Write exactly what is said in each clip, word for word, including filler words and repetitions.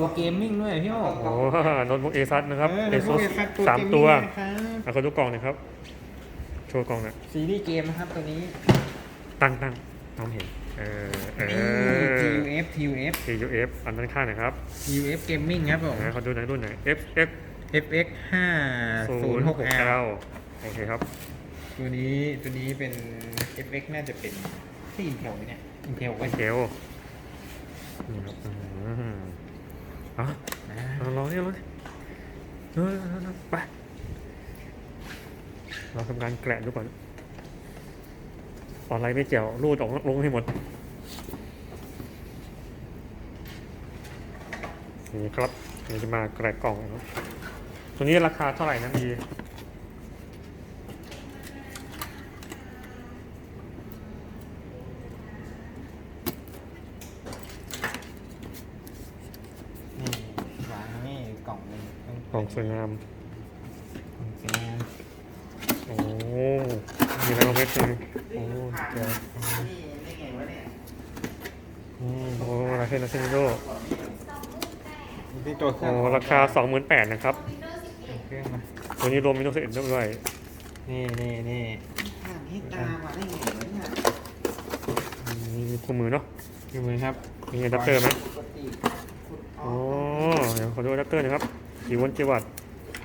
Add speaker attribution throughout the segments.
Speaker 1: ตัวเกมมิ่งด้วยพี่โอ้
Speaker 2: โอ้โน้ตบุ๊กเอซัสนะครับ
Speaker 1: เออ
Speaker 2: เอซุส
Speaker 1: Asus ตัว
Speaker 2: สามตัว
Speaker 1: gaming นะครับ
Speaker 2: อ่ะขอดูกล่องหน่อยครับโชว์กล่องหน่อย
Speaker 1: ซีรีส์เกมนะครับตัวนี้
Speaker 2: ตั้งตั้งน้องเห็นเออเอ
Speaker 1: นี่
Speaker 2: อ
Speaker 1: ที ยู เอฟ ที ยู เอฟ
Speaker 2: ที ยู เอฟ อันด้านข้างหนะครับ
Speaker 1: ที ยู เอฟ Gaming ครับผม
Speaker 2: นะขอดูหน่อยรุ่นไหน เอฟ เอ็กซ์
Speaker 1: เอฟ เอ็กซ์ ห้า ศูนย์ หก แอล
Speaker 2: โอเคครับ
Speaker 1: ตัวนี้ตัวนี้เป็น เอฟ เอ็กซ์ น่าจะเป็นที่ Intel ไหมเนี่ย Intel
Speaker 2: โอ
Speaker 1: ไว้
Speaker 2: เคโอนี่ครับอืมอ่ะ
Speaker 1: อ่า
Speaker 2: เอาลองนี่ลองนี่เออไปเราทำการแกะดูก่อนออนไลน์ไม่เจ๋วรูดออกลงให้หมดนี่ครับนี่จะมาแกะกล่องนะตัวนี้ราคาเท่าไหร่นะมี
Speaker 1: นี่วางนี่กล่องนึง
Speaker 2: กล่องสวยงาม
Speaker 1: กล่องสวยงาม
Speaker 2: โอ้มีอะไรบ้างไหมเลยโอ้เจ๋วอืมโอ้ราคาเซนโด
Speaker 1: นี่ตัวเครื่
Speaker 2: โอ้
Speaker 1: อง
Speaker 2: ราคา สองหมื่นแปดพัน นะครับ
Speaker 1: เครื่องมา
Speaker 2: ตัวนี้รวมมิโนเซนด้วย
Speaker 1: นี่นี่นี่
Speaker 3: ห่างให้ตามมาได้ไงวะเนี่ย
Speaker 2: มีคู่มือเนาะ
Speaker 1: ดูมือครับ
Speaker 2: มีอะแดปเตอร์ไหม
Speaker 3: ปกติขุดอ
Speaker 2: อ๋
Speaker 3: อ
Speaker 2: อก เดี๋ยวขอดูอะแดปเตอร์หนะครับกี่โวลต์กี่วัตต์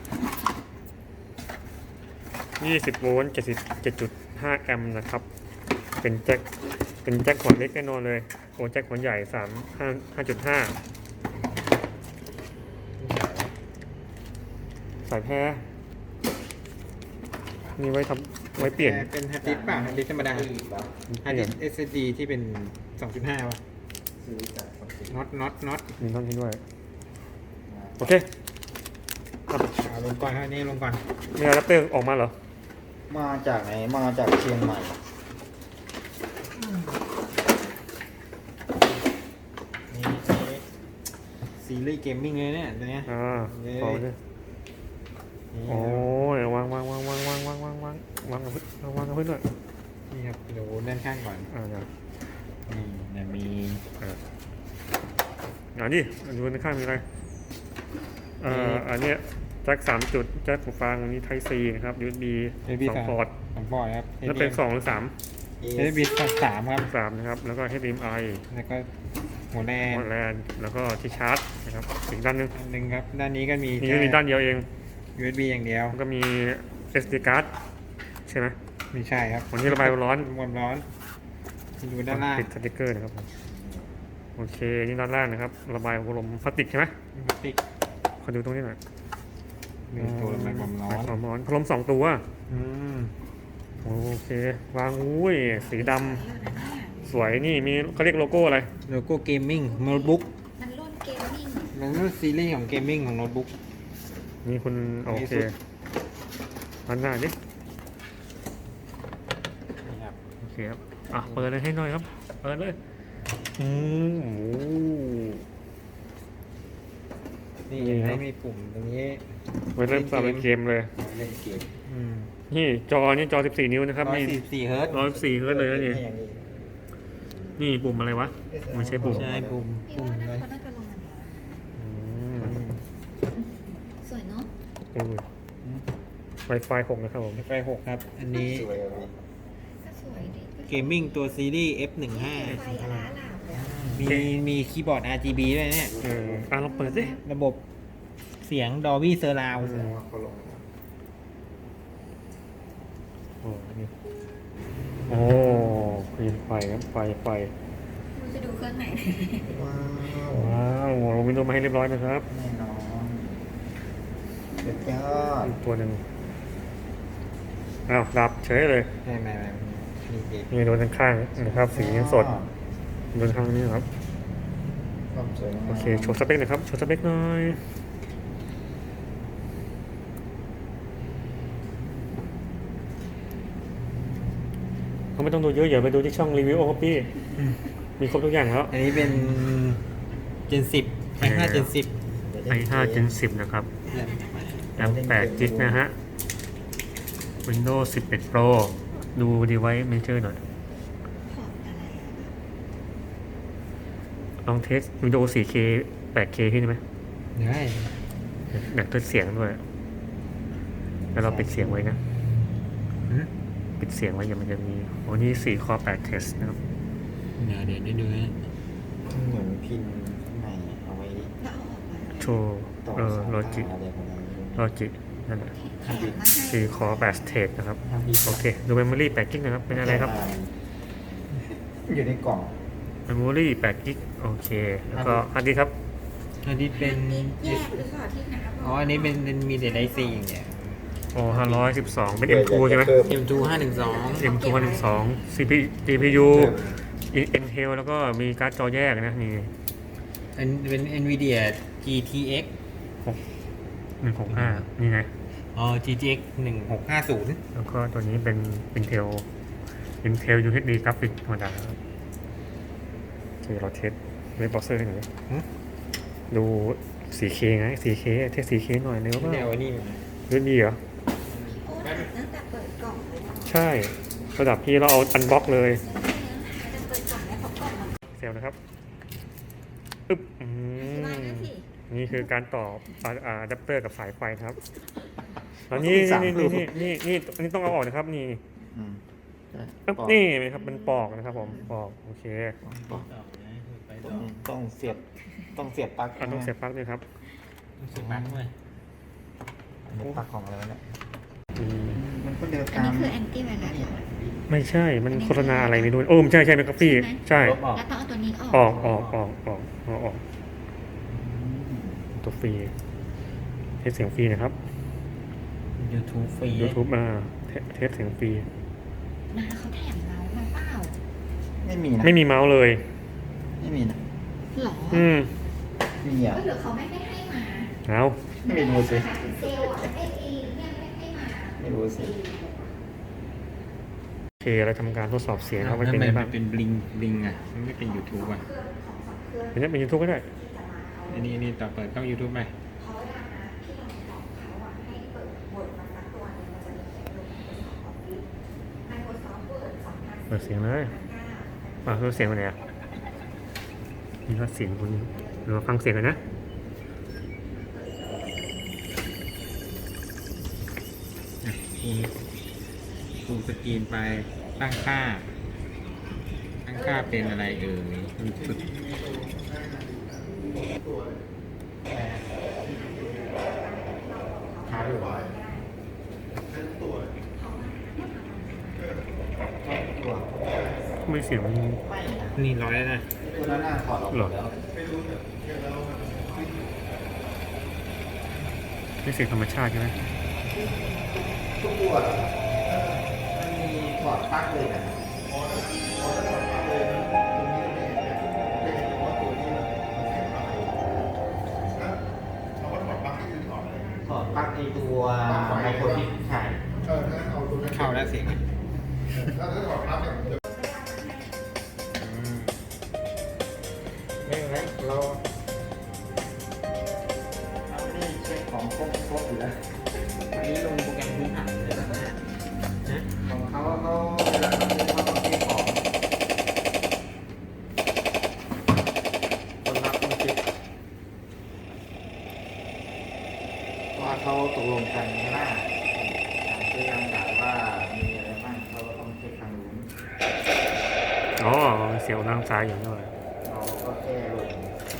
Speaker 2: ยี่สิบโวลต์เจ็ดสิบเจ็ดจุดห้าแอมป์นะครับ เป็นแจ็ค เป็นแจ็คขวดเล็กแน่นอนเลย โอ้แจ็คขวดใหญ่สามห้าห้าจุดห้าสายแพรมีไว้ทำไว้เปลี่ยน
Speaker 1: เป็นฮาร์ดดิสก์เปล่าฮาร์ดดิสก์ธรรมดา
Speaker 3: อีกแล้ว
Speaker 1: ฮาร์ดดิสก์ เอส เอส ดี ที่เป็น สองจุดห้า วะ
Speaker 3: ซื้อจากปกติ
Speaker 1: น็อตน็อตน็อต
Speaker 2: มีท่อนนี้ด้วย โอเคครับ
Speaker 1: เอาลงก่อนครับอันนี่ลงก่อน
Speaker 2: มีอะแดปเตอร์ออกมาเหรอ
Speaker 3: มาจากไหนมาจากเชียงใหม่
Speaker 1: นี่ใช้ซีรีส์เกมมิ่งเลยเนี่ยตัวเนี้ย
Speaker 2: อ่า
Speaker 1: เย้
Speaker 2: ขอดิ
Speaker 1: นี่
Speaker 2: โอ้ยวางวางวางวางวางวางวางวางวางกับพื้นวางกับพื้นด้วย
Speaker 1: นี่ครับเดี๋ยวด้านข้างก่อน
Speaker 2: อ่าเดี๋ยว
Speaker 1: นี่เนี่ยมี
Speaker 2: อ่าอ่านี่ดูในข้างมีอะไรเอ่ออันเนี้ยแจ็คสามจุดแจ็คหูฟังมีไทซีนะครับ ยู เอส บี
Speaker 1: เอบี
Speaker 2: สอง
Speaker 1: สาม
Speaker 2: พอร์ต
Speaker 1: สองพอร์ตครับ
Speaker 2: แล้วเป็นสองหรือสาม
Speaker 3: เอ
Speaker 1: เอบีสามครับ
Speaker 2: สามนะครับ แล้วก็ เอช ดี เอ็ม ไอ
Speaker 1: แล้วก็หัวแรง
Speaker 2: หมดแลนแล้วก็ที่ชาร์จนะครับอีกด้านหนึง
Speaker 1: อันหนึ่งครับ ด้านนี้ก็มี
Speaker 2: มี
Speaker 1: แค่
Speaker 2: มีด้านเดียวเอง
Speaker 1: ยู เอส บี อย่างเดียว
Speaker 2: แล้วก็มี เอส ดี card ใช่ไหม
Speaker 1: ไม่ใช่ครับ
Speaker 2: วันนี้ระบายความร้อน
Speaker 1: ความร้อนดูด้านล่าง
Speaker 2: ติดสติกเกอร์นะครับผมโอเค นี่ด้านล่างนะครับ ระบายลมพลาสติกใช่ไหม
Speaker 1: พลาสติก
Speaker 2: ขอดูตรงนี้หน่อย
Speaker 1: มีตัวระบายความร้อน
Speaker 2: ความร้อนพัดลมสองตัว
Speaker 1: อืม
Speaker 2: โอเค วางอุ้ย สีดำสวยนี่มีเขาเรียกโลโก้อะไร
Speaker 1: โลโก้เกมมิ่งโน้ตบุ๊ก
Speaker 4: มันรุ่นเกมมิ่ง
Speaker 1: มันรุ่นซีรีส์ของเกมมิ่งของโน้ตบุ๊ก
Speaker 2: มีคุณโอเค
Speaker 1: Asus
Speaker 2: อันหน้าดิ
Speaker 1: นี่ครับ
Speaker 2: โอเคครับ อ่ะ เปิดเลยให้หน่อยครับ เปิดเลย อืมโอ้
Speaker 1: นี่
Speaker 2: นี่ครับ
Speaker 1: ไม่มีปุ่มตรงนี้
Speaker 2: ไว้เริ่มสาวเป็นเกมเลย
Speaker 3: เล่นเกม
Speaker 1: อืม
Speaker 2: นี่จอนี่จอสิบสี่นิ้วนะครับ
Speaker 1: ร้อย
Speaker 2: นี่
Speaker 1: สี่สิบสี่เฮิร์ตซ์
Speaker 2: ร้อยสี่เฮิร์ตซ์เลยนะนี่
Speaker 3: ให้อย่างนี้
Speaker 2: นี่ปุ่มอะไรวะ ไม่ใช่ปุ่ม
Speaker 1: ใช่ปุ่ม
Speaker 4: พี่
Speaker 1: ปุ่ม
Speaker 4: ว่าน่า
Speaker 1: เลย
Speaker 4: เขาน่าจะลงอันนี้
Speaker 2: อืม
Speaker 4: สวยเนาะ
Speaker 2: โอ้ยไวไฟหกนะครับผม
Speaker 1: ไฟหกครับ อันนี้
Speaker 3: สวยอ่ะพี่
Speaker 4: ก็สวยดี
Speaker 1: เกมมิ่งตัวซีรีส์ เอฟ หนึ่งห้า
Speaker 4: ไฟอลาลามเลยอะ
Speaker 1: มีมีคีย์บอร์ด อาร์ จี บี ด้วยเนี่ย
Speaker 2: เอออ่ะลองเปิดสิ
Speaker 1: ระบบเสียง Dolby Surround
Speaker 3: แสดงว่าเขาลง
Speaker 2: โอ้นี่โอ้มีไฟครับไฟไฟ
Speaker 4: มันจะดูเครื่องไหน
Speaker 3: ว้าว
Speaker 2: ว้าวเราวินโดว์มาให้เรียบร้อยนะครับ
Speaker 3: แน่นอนสุดยอด
Speaker 2: อีกตัวหนึ่งอ้าวดับเฉยเลย
Speaker 1: ไม่ไม่ไม่นี่เด็ก
Speaker 2: นี่โดนข้างๆนะครับ สีสดโดนข้างนี้ครับ
Speaker 3: ความสวยงาม
Speaker 2: โอเค โชว์สเปคหน่อยครับ โชว์สเปคหน่อยเขาไม่ต้องดูเยอะอย่าไปดูที่ช่องรีวิวโอคปี้มีครบทุกอย่างแล้ว
Speaker 1: อันนี้เป็น Gen สิบ ไอ ห้า Gen สิบ
Speaker 2: ไอห้า Gen สิบนะครับแรมแปดจิกนะฮะ Windows สิบเอ็ด Pro ดู Device Manager หน่อย
Speaker 4: พอร์ตอะไรอะ
Speaker 2: ลองเทส Windows โฟร์เคแปดเค พี่ได้ไหม
Speaker 1: ได้
Speaker 2: หนักตัวเสียงด้วยแล้วเราปิดเสียงไว้นะ
Speaker 1: หืม
Speaker 2: ปิดเสียงไว้อย่ามันจะมีโอ้นี่สี่คอแปดเทสนะครับ
Speaker 1: เดี๋ยวเดี๋ยวได้ดูนะ
Speaker 3: เหมือนพินข้างในเอาไว้
Speaker 4: แล้วเอาออกมา
Speaker 2: โชว์
Speaker 3: ต่อ
Speaker 2: เออ
Speaker 3: สาย
Speaker 2: โลจิ
Speaker 3: ตาอะไรประมาณนี้
Speaker 2: โลจินั่นแหละ
Speaker 4: แถมมาให้
Speaker 2: สี่คอแปดเทสนะครับ
Speaker 3: ทำดี
Speaker 2: โอเค ดูเมมโมรี่แปดกิกนะครับ เป็นอะไรครับ
Speaker 3: อยู่ในกล่อง
Speaker 2: เมมโมรี่แปดกิกโอเค แล้วก็อันนี้ครับ
Speaker 1: อันนี้เป็น
Speaker 4: แยกหรือเปล่าที่น้าบอก
Speaker 1: อ๋ออันนี้เป็นเป็นมีแต่ไดซีอย่างเงี้ย
Speaker 2: โอ้ห้าร้อยสิบสองเป็น เอ็ม ทู ใช่ไหม
Speaker 1: เอ็มทูห้าหนึ่งสอง
Speaker 2: เอ็ม ทู หนึ่งสอง ซี พี จี พี ยู Intel แล้วก็มีการ์ดจอแยกนะนี่
Speaker 1: อันเป็น NVIDIA จี ที เอ็กซ์
Speaker 2: หนึ่งหกห้านี่ไง
Speaker 1: อ๋อ จี ที เอ็กซ์ หนึ่งหกห้าศูนย์
Speaker 2: แล้วก็ตัวนี้เป็น Intel Intel ยู เอช ดี กราฟิกธรรมดาครับโอเคเราเทสเว็บเบราว์เซอร์ให้หน่อยดู โฟร์เค ไง โฟร์เค เทส โฟร์เค หน่อยเร็วก็
Speaker 1: เดี๋ยวอันนี้
Speaker 2: เรื่องดีเหรอ
Speaker 4: โอ้ถามตั้งแต่เปิดกล่องเลยเหรอ
Speaker 2: ใช่ ระดับพี่เราเอาอันบล็อกเลย
Speaker 4: จะเปิดกล่องแล้วเพราะกล่องมัน
Speaker 2: เซลนะครับอึ๊บอื
Speaker 4: ที่บ้าน
Speaker 2: ม
Speaker 4: นั่นสิ
Speaker 2: นี่คือการต่ออะอะอะแดปเตอร์กับสายไฟครับแล้วนี่นี่นี่นี่นี่นี่อันนี้ต้องเอาออกนะครับ นี่
Speaker 3: อืม
Speaker 2: อึ๊บนี่ไหมครับมันปอกนะครับผมปอกโอเค
Speaker 3: ปอกต้องต้องเสียบต้องเสียบปลั๊ก
Speaker 2: อ่ะต้องเสียบปลั๊กด้วยครับ
Speaker 1: สุดมากเลย
Speaker 3: อันนี้ปลั๊กของอะไรวะเนี่ย
Speaker 2: อืม
Speaker 3: มันก็เดิน
Speaker 4: อัน
Speaker 3: ตาม
Speaker 4: นี้คือแอนตี้ไวรัสเหรอ
Speaker 2: ไม่ใช่มันโฆษณาอะไรไม่รู้โอ้ไม่ใช่ใช่ไหมครับพี่ใช่
Speaker 1: ลบออก
Speaker 4: แล้วต้องเอาตัวนี้ออก
Speaker 2: ออกออกออกออกออกออกตัวฟรีเทสเสียงฟรีนะครับ
Speaker 1: YouTube ฟรี
Speaker 2: YouTube มาเทสเทสเสียงฟรี
Speaker 4: นะเขาแถมเรามาเปล่า
Speaker 3: ไม่มีนะ
Speaker 2: ไม่มีเมาส์เลย
Speaker 3: ไม่มีนะ
Speaker 4: หรอ
Speaker 2: อืม
Speaker 3: มีอ่ะ
Speaker 4: ก็หรือเขาไม่ได้ให้มา
Speaker 2: เอา
Speaker 3: ไม่รู้สิ
Speaker 4: เซลล์อ่ะไอ้เองเนี่ยไม่ให้มา
Speaker 3: ไม่รู้สิ
Speaker 2: โอเคเราทำการทดสอบเสียงครับ
Speaker 1: มั
Speaker 2: ว่าน เป็น
Speaker 1: เป็
Speaker 2: ไง
Speaker 1: น
Speaker 2: บ้าง
Speaker 1: เป็นบลิงบลิงอ่ะ มันไม่เป็น YouTube อ่ะ
Speaker 2: เป็นเป็นยูทูบก็ได้
Speaker 1: อันนี้อันนี้ต่อเปิดเข้า YouTube ไป
Speaker 4: เขาเวลานะที่เราบอกเขาอ่ะให้เปิดบทมาสักตัวหนึงมันจะมีเขียนลง Microsoft Office Microsoft Word สองพัน
Speaker 2: เปิดเสียงเลยอ่ะคือเสียงเป็นไงอ่ะนี่ว่าเสียงคุณเราฟังเสียงกันนะ
Speaker 1: คูณคูณสกรีนไปตั้งค่า ตั้งค่าเป็นอะไรเอ่ยมีสุดขาหรือ
Speaker 2: ไม่เสียงมัน
Speaker 1: นี่ร้อยแล้วนะ
Speaker 3: ตัวนั้นน่าถอดออก
Speaker 2: หรอ
Speaker 3: แล้ว
Speaker 2: ไม่เสียงธรรมชาติใช่ไหม
Speaker 3: ทุกตัวมันมีถอดปลั๊กเลยนะถอดปลั๊กไอตัวไมโครชิปใช่
Speaker 1: เข้าแล้วเสียงอ่ะอืม
Speaker 3: ไม่เป็นไรเราเราไม่ได้เช็คของครบครบอยู่แล้ว
Speaker 1: อันนี้ลงโปรแกรมพื้นฐานเลยนะฮะ
Speaker 3: ของเขาเขาเวลาเขาซื้อเขาต้องเช็คของคนรับต้องเช็คว่าเขาตกลงกันใช่ไหมคือยังกล่าวว่ามีอะไรบ้างเขาก็ต้องเช็คทางนู้น
Speaker 2: อ๋อเสียงทางซ้ายอย่างนี้เลย
Speaker 3: เราก็แก้ลง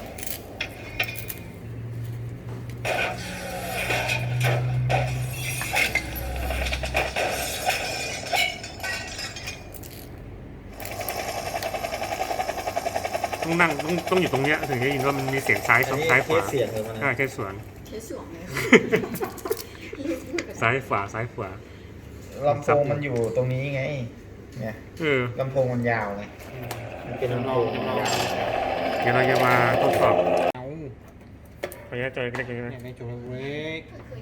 Speaker 2: ต้องนั่งต้องต้องอยู่ตรงเนี้ยถึงจะยินว่ามันมีเสียงซ้าย
Speaker 3: อันนี้
Speaker 2: ซ้ายข
Speaker 3: เท
Speaker 2: วา
Speaker 3: สเสียงเลยมัน
Speaker 2: ใช่ใช่สวน
Speaker 4: ใช้สวมเลย
Speaker 2: ซ้ายขวาซ้ายขวา
Speaker 3: ลำโพงมันอยู่ตรงนี้ไง เนี่ย
Speaker 2: เออ
Speaker 3: ลำโพงมันยาวไงมันเป็นลำโพงยาว
Speaker 2: เดี๋ยวเราจะมาทดสอบ
Speaker 1: เอา
Speaker 2: ระยะจอยเล็กๆนะ
Speaker 1: อยากได้โจทย์เล็ก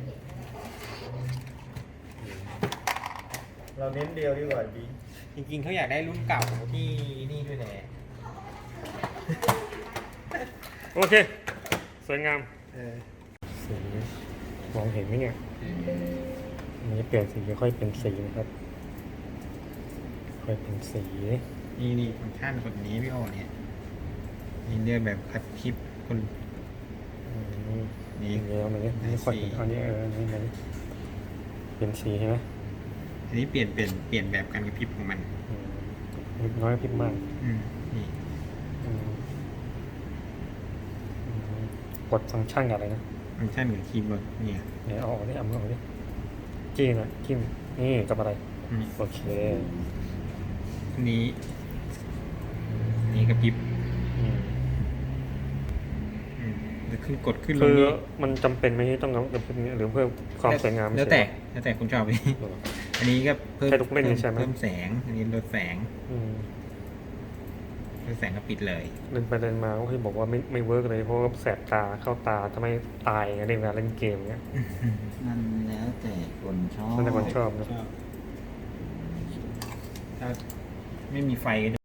Speaker 3: เราเน้นเดียวดีกว่าดี
Speaker 1: จริงๆเขาอยากได้รุ่นเก่าที่นี่ด้วยแหละ
Speaker 2: โอเค สวยงาม
Speaker 3: เออ
Speaker 2: สีมองเห็นไหมเนี่ยอันนี้เปลี่ยนสีค่อยเป็นสีนะครับค่อยเป็นสี
Speaker 1: นี่นี่ฟังก์ชันคนนี้พี่โอเนี่ยนี่เลือกแบบคัดคลิปคนนี่
Speaker 2: อย่างเงี้ยมันเนี้ยไม่ค่อยเห็นอันนี้เอออันนี้อันนี้เป็นสีใช่ไหม
Speaker 1: อันนี้เปลี่ยนเปลี่ยนเปลี่ยนแบบการกระพริบของมัน
Speaker 2: อืมนิดน้อยพิมพ์มาก
Speaker 1: อืมนี่
Speaker 2: อืมอืมกดฟังก์ชันกับอะไรนะ
Speaker 1: ฟังก์ชันกับคีย์บอร์ดเนี่ย
Speaker 2: เนี่ยเอาออกดิเอามือออกดิจี้หน่อยจิ้มนี่กับอะไร
Speaker 1: อืม
Speaker 2: โอเค
Speaker 1: อันนี้อันนี้กระพริบ
Speaker 2: อืม
Speaker 1: อืมจะขึ้นกดขึ้นล
Speaker 2: คื
Speaker 1: ง
Speaker 2: อ
Speaker 1: นี่
Speaker 2: มันจำเป็นไหมที่ต้องเอาแบบนี้หรือเพื่อความสวยงาม
Speaker 1: แล้วแต่
Speaker 2: เฉย
Speaker 1: แล้วแต่คุณชอบ
Speaker 2: ๆเหรอ
Speaker 1: อันนี้ก็เพิ่ม
Speaker 2: แค่ลูกเล่น
Speaker 1: เพิ่ม
Speaker 2: ใช่ไหม
Speaker 1: เพิ่มแสง อันนี้ลดแสง
Speaker 2: อืม
Speaker 1: ลดแสงก็ปิดเลย
Speaker 2: เดินไปเดินมาก็คือบอกว่าไม่ไม่เวิร์กเลยเพราะว่าแสบตาเข้าตาทำให้ตายไงเล่นเวลาเล่นเกมเงี้ย
Speaker 3: มันแล้วแต่คนชอบ
Speaker 2: นั่นแต่คนชอบนะ
Speaker 1: ชอบถ้าไม่มีไฟก็